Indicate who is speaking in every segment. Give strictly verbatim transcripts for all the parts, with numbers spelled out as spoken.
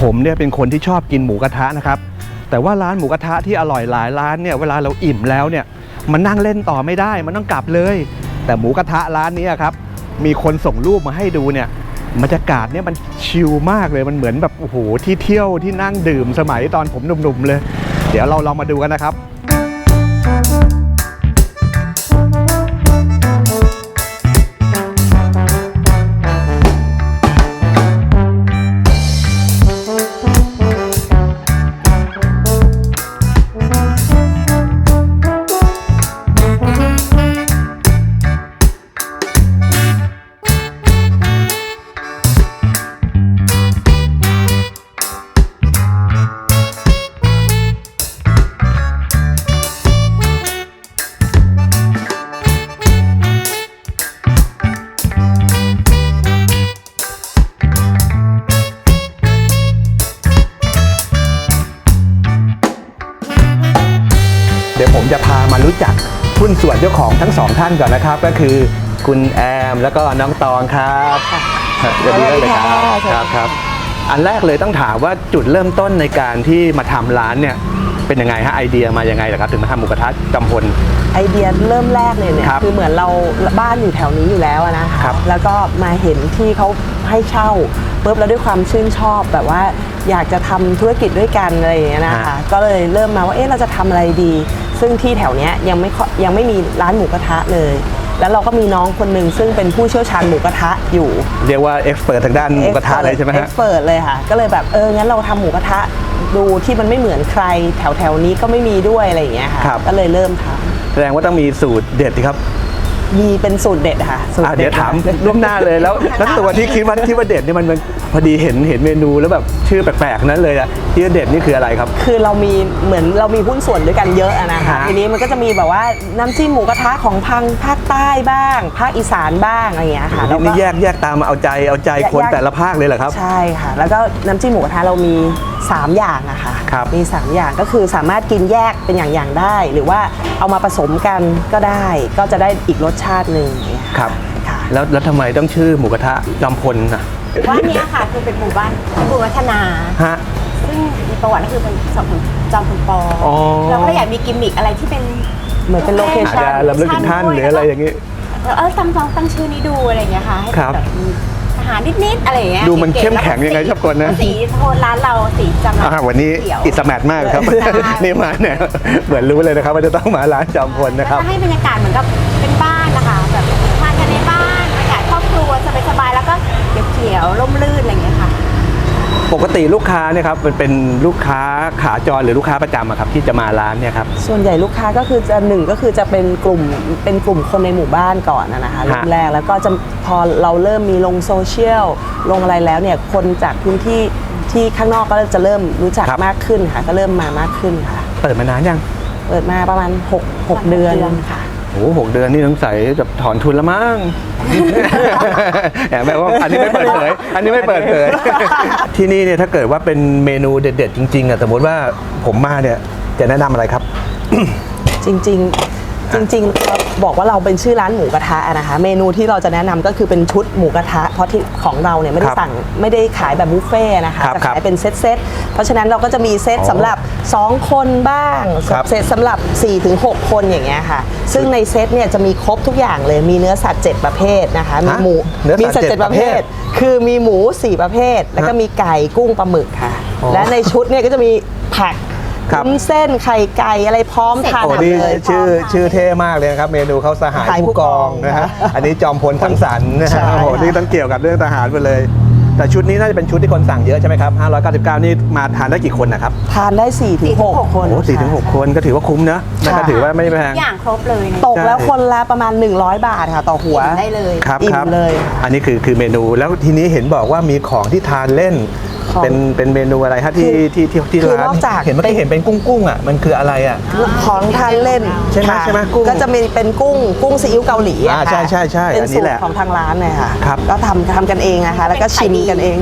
Speaker 1: ผมเนี่ยเป็นคนที่ชอบกินหมูกระทะนะครับแต่ว่าร้านหมูกระทะที่อร่อยหลายร้านเนี่ยเวลาเราอิ่มแล้วเนี่ยมันนั่งเล่นต่อไม่ได้มันต้องกลับเลยแต่หมูกระทะร้านนี้ครับมีคนส่งรูปมาให้ดูเนี่ยบรรยากาศเนี่ยมันชิลมากเลยมันเหมือนแบบโอ้โหที่เที่ยวที่นั่งดื่มสมัยตอนผมหนุ่มๆเลยเดี๋ยวเราลองมาดูกันนะครับเดี๋ยวผมจะพามารู้จักหุ้นส่วนเจ้าของทั้งสองท่านก่อนนะครับก็คือคุณแอมแล้วก็น้องตองครับสวัสดีเลยครับครับครับอันแรกเลยต้องถามว่าจุดเริ่มต้นในการที่มาทำร้านเนี่ยเป็นยังไงฮะไอเดียมายังไงเหรอครับถึงมาทำหมูกระทะจำพล
Speaker 2: ไอเดียเริ่มแรกเลยเนี่ย ค, คือเหมือนเราบ้านอยู่แถวนี้อยู่แล้วนะคะแล้วก็มาเห็นที่เขาให้เช่าปุ๊บแล้วด้วยความชื่นชอบแบบว่าอยากจะทำธุรกิจด้วยกันอะไรอย่างเงี้ยนะคะก็เลยเริ่มมาว่าเอ๊ะเราจะทำอะไรดีซึ่งที่แถวเนี้ยยังไม่ยังไม่มีร้านหมูกระทะเลยแล้วเราก็มีน้องคนหนึ่งซึ่งเป็นผู้เชี่ยวชาญหมูกระทะอยู่
Speaker 1: เรียกว่าเอ็กซ์เพิร์ททางด้านหมูกระทะเลยใช่ไหมฮะ
Speaker 2: เอ็กซ์เพิร์ทเลยค่ะก็เลยแบบเอองั้นเราทำหมูกระทะดูที่มันไม่เหมือนใครแถวแถวนี้ก็ไม่มีด้วยอะไรอย่างเงี้ยค่ะก็เลยเริ่มทำ
Speaker 1: แสดงว่าต้องมีสูตรเด็ดครับ
Speaker 2: มีเป็นสูตรเด็ดค่ะสูตร
Speaker 1: เดี๋ยวถามล่วงหน้าเลยแล้วแล้วตัวที่คิดว่าที่ว่าเด็ดนี่มันพอดีเห็นเห็นเมนูแล้วแบบชื่อแปลกๆนั้นเลยอะที่เด็ดนี่คืออะไรครับ
Speaker 2: คือเรามีเหมือนเรามีหุ้นส่วนด้วยกันเยอะนะคะทีนี้มันก็จะมีแบบว่าน้ำจิ้มหมูกระทะของพังภาคใต้บ้างภาคอีสานบ้างอะไรอย่างเงี้ยค่ะ
Speaker 1: แล้วนี่แยกแยกตามมาเอาใจเอาใจคนแต่ละภาคเลยเหรอครับ
Speaker 2: ใช่ค่ะแล้วก็น้ำจิ้มหมูกระทะเรามีสามอย่างอะค่ะมีสามอย่างก็คือสามารถกินแยกเป็นอย่างๆได้หรือว่าเอามาผสมกันก็ได้ก็จะได้อีกรสชาติหนึ่ง
Speaker 1: ครับแล้วแล้วทำไมต้องชื่อหมูกระทะจอมพลนะ
Speaker 3: ว่านี้ค่ะคือเป็นหมู่บ้านเป็นหมู่วัฒนา
Speaker 1: ฮะ
Speaker 3: ซึ่งมีประวัติก็คือเป็นสองจอมพลปอเราก็อยากมีกิมมิคอะไรที่เป็น
Speaker 2: เหมือนเป็นโลเคชั่น
Speaker 1: ลำลึกถึงท่านหรืออะไรอย่างนี้
Speaker 3: เออตั้งตั้งชื่อนี้ดูอะไรอย่างเงี้ยค่ะให้แบบทหารนิดๆอะไรอย่างเงี้ย
Speaker 1: ดูมันเข้มแข็งยังไงชอบคนนะ
Speaker 3: สีโทนร้านเราสีจำ
Speaker 1: อ่าวันนี้อิสแมทมากครับนี่มาเนี่ยเหมือนรู้เลยนะครับว่าจะต้องมาร้านจอมพลนะครับ
Speaker 3: ให้บรรยากาศเหมือนกับเป็นบ้านนะคะแบบทานกันในบ้านบรรยากาศครอบครัวสบายๆแล้วก็เขียวๆร่มรื่นอะไรอย่างเงี้ยค่ะ
Speaker 1: ปกติลูกค้าเนี่ยครับเป็นลูกค้าขาจรหรือลูกค้าประจำครับที่จะมาร้านเนี่ยครับ
Speaker 2: ส่วนใหญ่ลูกค้าก็คือจะหนึ่งก็คือจะเป็นกลุ่มเป็นกลุ่มคนในหมู่บ้านก่อนนะคะเริ่มแรกแล้วก็จะพอเราเริ่มมีลงโซเชียลลงอะไรแล้วเนี่ยคนจากพื้นที่ที่ข้างนอกก็จะเริ่มรู้จักมากขึ้นค่ะก็เริ่มมามากขึ้นค่ะ
Speaker 1: เปิดมานานยัง
Speaker 2: เปิดมาประมาณหก หกเดือนค่ะ
Speaker 1: โอ้หกเดือนนี่ต้องใส่จะถอนทุนแล้วมั้งแอบแบบว่าอันนี้ไม่เปิดเผยอันนี้ไม่เปิดเผยที่นี่เนี่ยถ้าเกิดว่าเป็นเมนูเด็ดๆจริงๆอ่ะสมมติว่าผมมาเนี่ยจะแนะนำอะไรครับ
Speaker 2: จริงๆจริงๆบอกว่าเราเป็นชื่อร้านหมูกระทะนะคะเมนูที่เราจะแนะนำก็คือเป็นชุดหมูกระทะเพราะที่ของเราเนี่ยไม่ได้สั่งไม่ได้ขายแบบบุฟเฟ่นะคะจะขายเป็นเซตเซตเพราะฉะนั้นเราก็จะมีเซตสำหรับสองคนบ้างเซตสำหรับ สี่ถึงหก คนอย่างเงี้ยค่ะซึ่งในเซตเนี่ยจะมีครบทุกอย่างเลยมีเนื้อสัตว์เจ็ดประเภทนะคะมีหมูมีสัตว์เจ็ดประเภทคือมีหมูสี่ประเภทแล้วก็มีไก่กุ้งปลาหมึกค่ะและในชุดเนี่ยก็จะมีผักวุ้นเส้นไข่ไก่อะไรพร้อมทานเลย
Speaker 1: ชื่อชื่อเท่มากเลยครับเมนูเขาสหายผู้กองนะฮะอันนี้จอมพลสังสรรค์นะฮะโอ้โหนี่ต้องเกี่ยวกับเรื่องทหารไปเลยแต่ชุดนี้น่าจะเป็นชุดที่คนสั่งเยอะใช่ไหมครับห้าร้อยเก้าสิบเก้านี่มาทานได้กี่คนนะครับ
Speaker 2: ทานได้ สี่ถึงหก คน
Speaker 1: โอ้สี่ถึงหกคนก็ถือว่าคุ้มนะนั่นก็ถือว่าไม่แพง
Speaker 3: อย่างครบเลย
Speaker 2: ตกแล้วคนละประมาณหนึ่งร้อยบาทค่ะต่อหัว
Speaker 3: ได้เลย
Speaker 1: ครับ
Speaker 2: อิ่มเลย
Speaker 1: อันนี้คือคือเมนูแล้วทีนี้เห็นบอกว่ามีของที่ทานเล่นเป็นเป็นเมนูอะไรฮะที่ที่ที่ที่ร้านเห็นเมื่อกี้เห็นเป็นกุ้งกุ้งอ่ะมันคืออะไรอ่ะ
Speaker 2: ของทานเล่น
Speaker 1: ใช่ไหมใช่ไหมกุ้ง
Speaker 2: ก็จะมีเป็นกุ้งกุ้งซีอิ๊วเกาหลี
Speaker 1: อ่าใช่ใช่ใช่
Speaker 2: เป็นสูตรของทางร้านเลยค่ะก็ทำทำกันเองนะคะแล้วก็ชิมกันเอง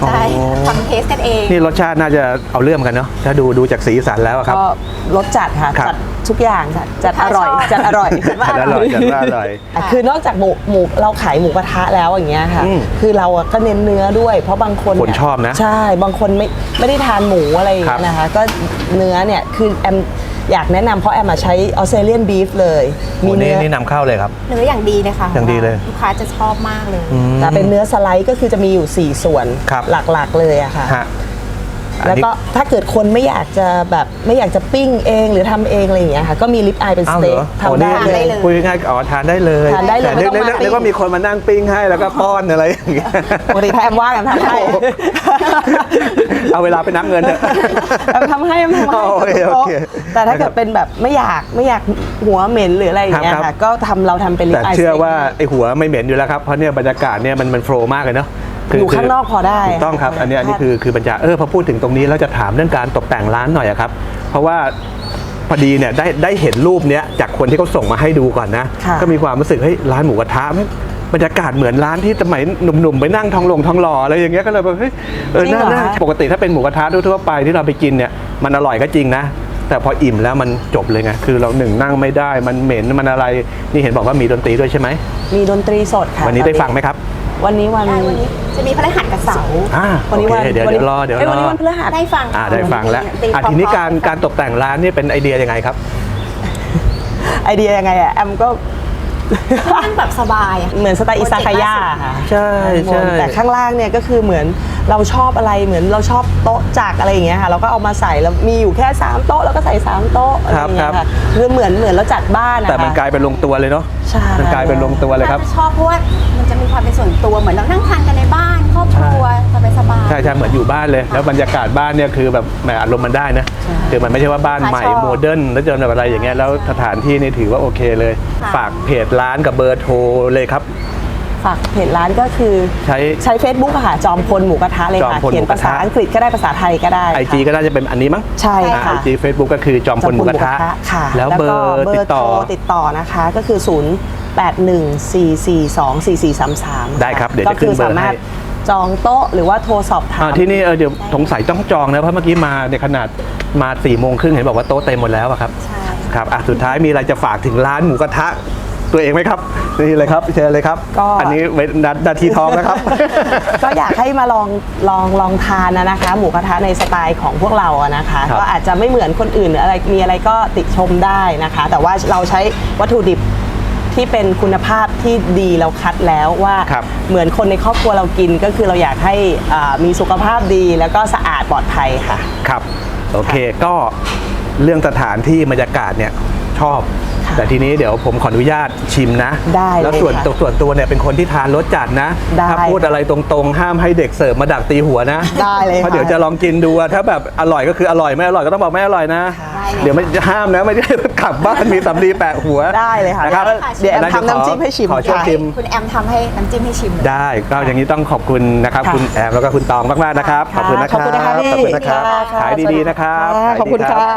Speaker 3: ใช่
Speaker 1: อ๋อ
Speaker 3: ทำเทสกันเอง
Speaker 1: นี่รสชาติน่าจะเอาเรื่องกันเนาะถ้าดูดูจากสีสันแล้วอะครับ
Speaker 2: ก็รสจัดค่ะ
Speaker 1: ครับ
Speaker 2: จัดทุกอย่างค่ะจัดอร่อย
Speaker 3: ชอบ
Speaker 2: จัดอร่อยจัดว่า
Speaker 1: จัดอร่อยจัดว่าอร่อย
Speaker 2: อ่ะคือนอกจากหมูหมูเราขายหมูกระทะแล้วอย่างเงี้ยค่ะ
Speaker 1: อืม
Speaker 2: คือเราอะก็เน้นเนื้อด้วย เพราะบางคน
Speaker 1: คน
Speaker 2: เนี่ย
Speaker 1: ชอบนะ
Speaker 2: ใช่บางคนไม่ไม่ได้ทานหมูอะไรอย่างเงี้ยนะคะก็เนื้อเนี่ยคือแอมอยากแนะนำเพราะแอมมาใช้ออสเตรเลียนบีฟเลย
Speaker 1: โอ้
Speaker 2: มี
Speaker 1: นี่
Speaker 2: เนื้อ
Speaker 1: นี่นำเข้าเลยครับ
Speaker 3: เนื้ออย่างดีเลยค่ะ
Speaker 1: อย่างดีเลย
Speaker 3: ลูกค้าจะชอบมากเลย
Speaker 2: แต่เป็นเนื้อสไลด์ก็คือจะมีอยู่สี่ส่วน
Speaker 1: ครับ
Speaker 2: หลักๆเลยอะค่ะ
Speaker 1: ฮะอัน
Speaker 2: แล้ว
Speaker 1: นี้
Speaker 2: ก็ถ้าเกิดคนไม่อยากจะแบบไม่อยากจะปิ้งเองหรือทำเองอะไรอย่างเงี้ยค่ะก็มีลิปอายเป็นส
Speaker 1: อ้าวเหร
Speaker 2: เต็ก
Speaker 1: อ
Speaker 2: ทำได้
Speaker 1: โอ้
Speaker 2: เล
Speaker 1: นี่
Speaker 2: ย
Speaker 3: เลย
Speaker 1: คุยง่ายๆอ๋อทานได้เลย
Speaker 2: ทานได้เลย
Speaker 1: แต่
Speaker 2: ไม่ต้อง
Speaker 1: นึก
Speaker 2: มา
Speaker 1: นึกนึกว่า
Speaker 2: ปิ้ง
Speaker 1: มีคนมานั่งปิ้งให้แล้วก็ป้อนอะไรอย่างเงี้ย
Speaker 2: ปกติถ้าแอมว่างแอมทำให้
Speaker 1: เอาเวลาไปนับเงินเถอะ
Speaker 2: แอมทำให้แอมทำให้
Speaker 1: โอเคโอเค
Speaker 2: แต่ถ้าเกิดเป็นแบบไม่อยากไม่อยากหัวเหม็นหรืออะไรอย่างเงี้ย
Speaker 1: ครับครั
Speaker 2: ค่ะ
Speaker 1: บ
Speaker 2: ก็ทำเราทำเป็นลิป
Speaker 1: แต่
Speaker 2: อาย
Speaker 1: เชื่อว่าไอหัวไม่เหม็นอยู่แล้วครับเพราะเนี่ยบรรยากาศเนี่ยมันมันโฟล์มากเลยเนาะคื
Speaker 2: อยู่ข้างนอกพอได้
Speaker 1: ถูกต้องครับอันนี้อันนี้คือคือบรรยากาศเออพอพูดถึงตรงนี้แล้วจะถามเรื่องการตกแต่งร้านหน่อยอะครับเพราะว่าพอดีเนี่ยได้ได้เห็นรูปเนี้ยจากคนที่เขาส่งมาให้ดูก่อนนะ
Speaker 2: ค่ะ
Speaker 1: ก็มีความรู้สึกเฮ้ยร้านหมูกระทะไม่บรรยากาศเหมือนร้านที่สมัยหนุ่มๆไปนั่งทองหลงทองหล่ออะไรอย่างเงี้ยก็เลยแบบเฮ้ยเออน่าน่าปกติถ้าเป็นหมูกระทะทั่วๆไปที่เราไปกินเนี่ยมันอร่อยก็จริงนะแต่พออิ่มแล้วมันจบเลยไงคือเราหนึ่งนั่งไม่ได้มันเหม็นมันอะไรนี่เห็นบอกว่ามีดนตรีด้วยใช่ไหม
Speaker 2: มีดนตรีสดค่ะ
Speaker 1: วันนี้ได้ฟังไหมครับ
Speaker 2: วันนี้วัน
Speaker 3: ได้วันนี้จะมีพฤหัสกับเสาร์
Speaker 1: อ่า
Speaker 2: วันนี้
Speaker 1: โอ
Speaker 2: วัน
Speaker 1: เคเดี๋ยว
Speaker 2: วัน
Speaker 1: เดี๋
Speaker 2: นี้
Speaker 1: ยวรอเดี๋ยว
Speaker 2: อ้
Speaker 1: ร
Speaker 2: วันนี้
Speaker 1: อ
Speaker 2: วันพฤหัส
Speaker 3: ได้ฟัง
Speaker 1: อ่าได้ฟังแล้ว
Speaker 3: ตี
Speaker 1: อ่ะ
Speaker 3: พร้อมๆ
Speaker 1: ทีนี้การ
Speaker 3: กัน
Speaker 1: การตกแต่งร้านเนี่ยเป็นไอเดียยังไงครับ
Speaker 2: ไอเดียยังไงอะแอมก็
Speaker 3: นั่งแบบสบายอะ
Speaker 2: เหมือนสไตล์อิซากายะค่ะ
Speaker 1: ใช่ใช่
Speaker 2: แต่ข้างล่างเนี่ยก็คือเหมือนเราชอบอะไรเหมือนเราชอบโต๊ะจักรอะไรอย่างเงี้ยค่ะเราก็เอามาใส่แล้วมีอยู่แค่สามโต๊ะแล้วก็ใส่สามโต๊ะอะไรอย่างเงี้ยค่ะคือเหมือนเหมือนเราจัดบ้านนะคะ
Speaker 1: แต่มันกลายเป็นลงตัวเลยเนาะ
Speaker 2: ใช่
Speaker 1: มันกลายเป็นลงตัวเลยครับ
Speaker 3: น่าจะชอบเพราะว่ามันจะมีความเป็นส่วนตัวเหมือนเรานั่งทานกันในบ้านครอบครัวสบายๆ
Speaker 1: ใช่ใช่เหมือนอยู่บ้านเลย แล้วบรรยากาศบ้านเนี่ยคือแบบแหมอารมณ์มันได้นะคือมันไม่ใช่ว่าบ้านใหม่
Speaker 3: ชอบ
Speaker 1: โมเดิร์นแล้วจนแบบอะไรอย่างเงี้ยแล้วสถานที่นี่ถือว่าโอเคเลย
Speaker 3: ค่ะ
Speaker 1: ฝากเพจร้านกับเบอร์โทรเลยครับ
Speaker 2: ฝากเพจร้านก็คือ
Speaker 1: ใช้
Speaker 2: ใช้ Facebook อะค่ะจอมพลหมูกระทะเลย
Speaker 1: จอม
Speaker 2: ค่ะ
Speaker 1: พล
Speaker 2: เขียนภาษา
Speaker 1: หมูกระทะ
Speaker 2: อังกฤษก็ได้ภาษาไทยก็ได้
Speaker 1: ไอจีก็น่าจะเป็นอันนี้มั้ง
Speaker 2: ใช่
Speaker 1: ไอ
Speaker 2: ค่ะ
Speaker 1: จีเฟซบุ๊กก็คือจอมพลหมูกระทะ
Speaker 2: ค่ะ
Speaker 1: แล้วเบอร์ติดต่อ
Speaker 2: เบอร์โทรติดต่อนะคะก็คือ ศูนย์ แปด หนึ่ง สี่ สี่ สอง สี่ สี่ สาม สาม
Speaker 1: ได้ครับเดี๋ยวจะขึ้นเบอร์ให้
Speaker 2: ก็คืสามารถจองโต๊ะหรือว่าโทรสอบถาม
Speaker 1: อ่าที่นี่เออเดี๋ยวสงสัยต้องจองนะเพราะเมื่อกี้มาในขนาดมาสี่โมงครึ่งเห็นบอกว่าโต๊ะเต็มหมดแล้วอะครับ
Speaker 3: ใช่
Speaker 1: ครับอ่ะสุดท้ายมีอะไรจะฝากถึงร้านหมูกระทะตัวเองไหมครับนี่เลยครับเชิญเลยครับ
Speaker 2: ก็
Speaker 1: อันนี้เว้นนานาทีทองนะครับ
Speaker 2: ก็อยากให้มาลองลองลองทานนะนะคะ หมูกระทะในสไตล์ของพวกเราอะนะคะ
Speaker 1: ครับ
Speaker 2: ก็อาจจะไม่เหมือนคนอื่นหรืออะไรมีอะไรก็ติชมได้นะคะ แต่ว่าเราใช้วัตถุดิบที่เป็นคุณภาพที่ดีเราคัดแล้วว่า
Speaker 1: ครับ
Speaker 2: เหมือนคนในครอบครัวเรากินก็คือเราอยากให้อ่ามีสุขภาพดีแล้วก็สะอาดปลอดภัยค่ะ
Speaker 1: ครับโอเคก็เรื่องสถานที่บรรยากาศเนี่ยชอบ
Speaker 2: ค่ะ
Speaker 1: แต่ทีนี้เดี๋ยวผมขออนุญาตชิมนะ
Speaker 2: ได้เลย
Speaker 1: แล้วส่วน
Speaker 2: ค่ะ
Speaker 1: ตัวส่วนตัวเนี่ยเป็นคนที่ทานรสจัดนะ
Speaker 2: ได้
Speaker 1: ถ้าพูดอะไรตรงๆ ห้ามให้เด็กเสิร์ฟมาดักตีหัวนะ
Speaker 2: ได้เลย
Speaker 1: เพราะ
Speaker 2: ค่ะ
Speaker 1: เดี๋ยวจะลองกินดูอะถ้าแบบอร่อยก็คืออร่อยไม่อร่อยก็ต้องบอกไม่อร่อยนะ
Speaker 3: ได้เลย
Speaker 1: เดี๋ยวไม่ห้ามนะไม่ได้กลับบ้านมีสำลีแปะหัว
Speaker 2: ได้เลยค่ะ
Speaker 1: นะครับ
Speaker 2: เดี๋ยวแอมทำน้ำจิ้มให้ชิม
Speaker 1: ขอช่วย
Speaker 2: ค่ะ
Speaker 1: ชิม
Speaker 3: คุณแอมทำให้น้ำจิ้มให้ชิมเลย
Speaker 1: ได้ก็อย่างนี้ต้องขอบคุณนะครับ
Speaker 2: ค่ะ
Speaker 1: คุณแอมแล้วก็คุณตองมากๆนะครับ ขอบคุณนะค
Speaker 2: ขอบ
Speaker 1: รับ
Speaker 2: คุณนะคะพี่
Speaker 1: ขอบคุณนะครับ
Speaker 2: ค่ะ
Speaker 1: ขายดีๆนะครับ
Speaker 2: ค่ะ
Speaker 1: ขายดี
Speaker 2: ขอบคุณ
Speaker 1: รั
Speaker 2: ค่ะ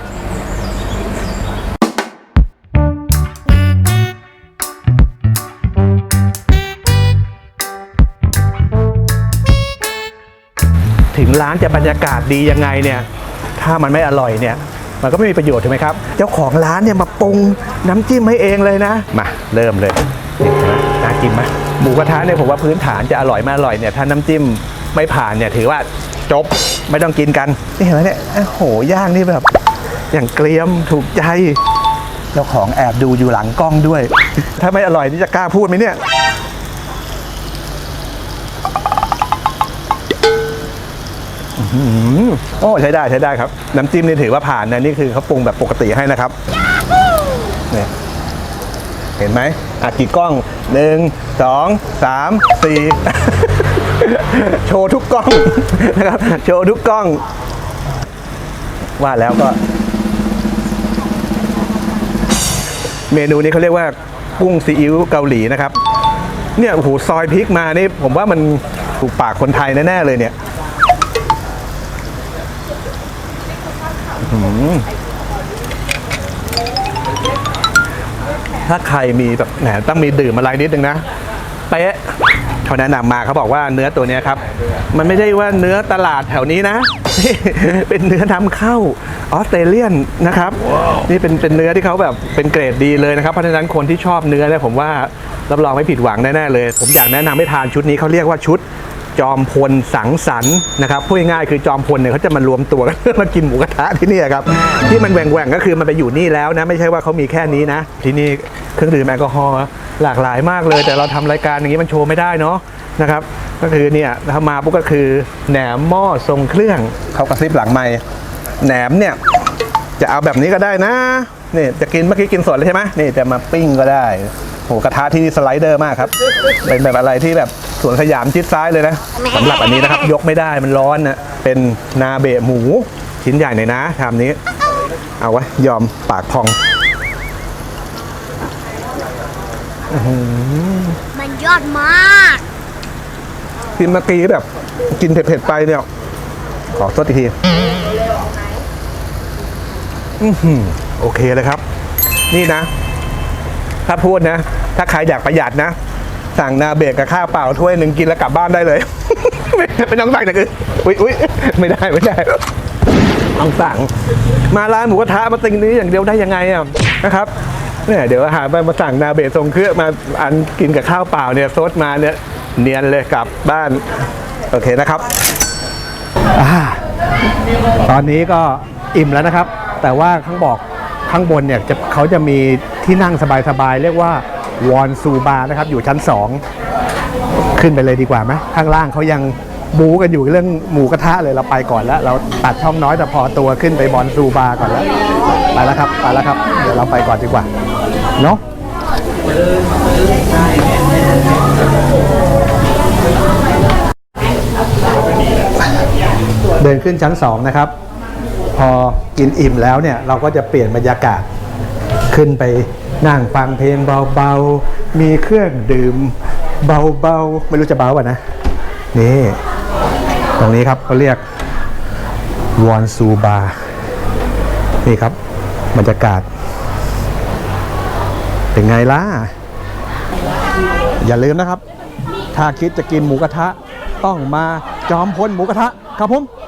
Speaker 1: ถึงร้านจะบรรยากาศดียังไงเนี่ยถ้ามันไม่อร่อยเนี่ยมันก็ไม่มีประโยชน์ถูกไหมครับเจ้าของร้านเนี่ยมาปรุงน้ำจิ้มให้เองเลยนะมาเริ่มเลยนี่เห็นไหมน่ากินไหมหมูกระทะเนี่ยผมว่าพื้นฐานจะอร่อยไม่อร่อยเนี่ยถ้าน้ำจิ้มไม่ผ่านเนี่ยถือว่าจบไม่ต้องกินกันนี่เห็นไหมเนี่ยโอ้โหย่างนี่แบบอย่างเกรียมถูกใจเจ้าของแอบดูอยู่หลังกล้องด้วย ถ้าไม่อร่อยนี่จะกล้าพูดไหมเนี่ย อืมโอ้ใช้ได้ใช้ได้ครับ น้ำจิ้มนี่ถือว่าผ่านนะนี่คือเขาปรุงแบบปกติให้นะครับเนี่ยเห็นไหมอ่ะกี่กล้องหนึ่งสองสามสี่ โชว์ทุกกล้อง นะครับโชว์ทุกกล้อง ว่าแล้วก็ เมนูนี้เขาเรียกว่ากุ้งซีอิ๊วเกาหลีนะครับ เนี่ยโอ้โหซอยพริกมานี่ผมว่ามันถูกปากคนไทยแน่ๆเลยเนี่ย ถ้าใครมีแบบแหมต้องมีดื่มอะไรนิดนึงนะเป๊ะเขาแนะนำมาเขาบอกว่าเนื้อตัวเนี้ยครับมันไม่ได้ว่าเนื้อตลาดแถวนี้นะ เป็นเนื้อนำเข้าออสเตรเลียนนะครับ นี่เป็นเป็นเนื้อที่เขาแบบเป็นเกรดดีเลยนะครับเพราะฉะนั้นคนที่ชอบเนื้อเนี่ยผมว่ารับรองไม่ผิดหวังแน่ๆเลย ผมอยากแนะนำให้ทานชุดนี้เขาเรียกว่าชุดจอมพลสังสรรค์นะครับพูดง่ายๆคือจอมพลเนี่ยเขาจะมารวมตัวกัน มากินหมูกระทะที่นี่ครับที่มันแหว่งๆก็คือมันไปอยู่นี่แล้วนะไม่ใช่ว่าเขามีแค่นี้นะที่นี่เครื่องดื่มแอลกอฮอล์หลากหลายมากเลยแต่เราทำรายการอย่างนี้มันโชว์ไม่ได้เนาะนะครับก็คือเนี่ยถ้ามาปุ๊บก็คือแหนมหม้อทรงเครื่องเขากระซิบหลังไมค์แหนมเนี่ยจะเอาแบบนี้ก็ได้นะนี่จะกินเมื่อกี้กินสดเลยใช่ไหมนี่จะมาปิ้งก็ได้โหกระทะที่นี่สไลเดอร์มากครับเป็นแบบอะไรที่แบบสวนสยามชิดซ้ายเลยนะสำหรับอันนี้นะครับยกไม่ได้มันร้อนนะเป็นนาเบะหมูชิ้นใหญ่หน่อยนะชามนี้เอาไว้ยอมปากพอง
Speaker 3: มันยอดมาก
Speaker 1: กินเมื่อกี้แบบกินเผ็ดๆไปเนี่ยขอซดอีกทีอือหือโอเคเลยครับนี่นะถ้าพูดนะถ้าใครอยากประหยัดนะสั่งนาเบะกับข้าวเปล่าถ้วยหนึ่งกินแล้วกลับบ้านได้เลย ไม่ไม่ต้องสั่งอย่างอื่นอุ้ยอุ้ยไม่ได้ไม่ได้ต้องสั่งมาร้านหมูกระทะมาติงนี้อย่างเดียวได้ยังไงอ่ะนะครับเนี่ยเดี๋ยวอาหารไปมาสั่งนาเบะทรงเครื่องมาอันกินกับข้าวเปล่าเนี่ยซดมาเนี่ยเนียนเลยกลับบ้านโอเคนะครับอ่าตอนนี้ก็อิ่มแล้วนะครับแต่ว่าข้างบอกข้างบนเนี่ยจะเขาจะมีที่นั่งสบายๆเรียกว่าวอนซูบาร์นะครับอยู่ชั้นสองขึ้นไปเลยดีกว่าไหมข้างล่างเขายังบู๊กันอยู่เรื่องหมูกระทะเลยเราไปก่อนแล้วเราตัดช่องน้อยแต่พอตัวขึ้นไปบอนซูบาร์ก่อนแล้วไปแล้วครับไปแล้วครับเดี๋ยวเราไปก่อนดีกว่าเนาะเดินขึ้นชั้นสองนะครับพอกินอิ่มแล้วเนี่ยเราก็จะเปลี่ยนบรรยากาศขึ้นไปนั่งฟังเพลงเบาๆมีเครื่องดื่มเบาๆไม่รู้จะเบาป่ะนะนี่ตรงนี้ครับเขาเรียกวอนซูบาร์นี่ครับบรรยากาศเป็นไงล่ะอย่าลืมนะครับถ้าคิดจะกินหมูกระทะต้องมาจอมพลหมูกระทะครับผม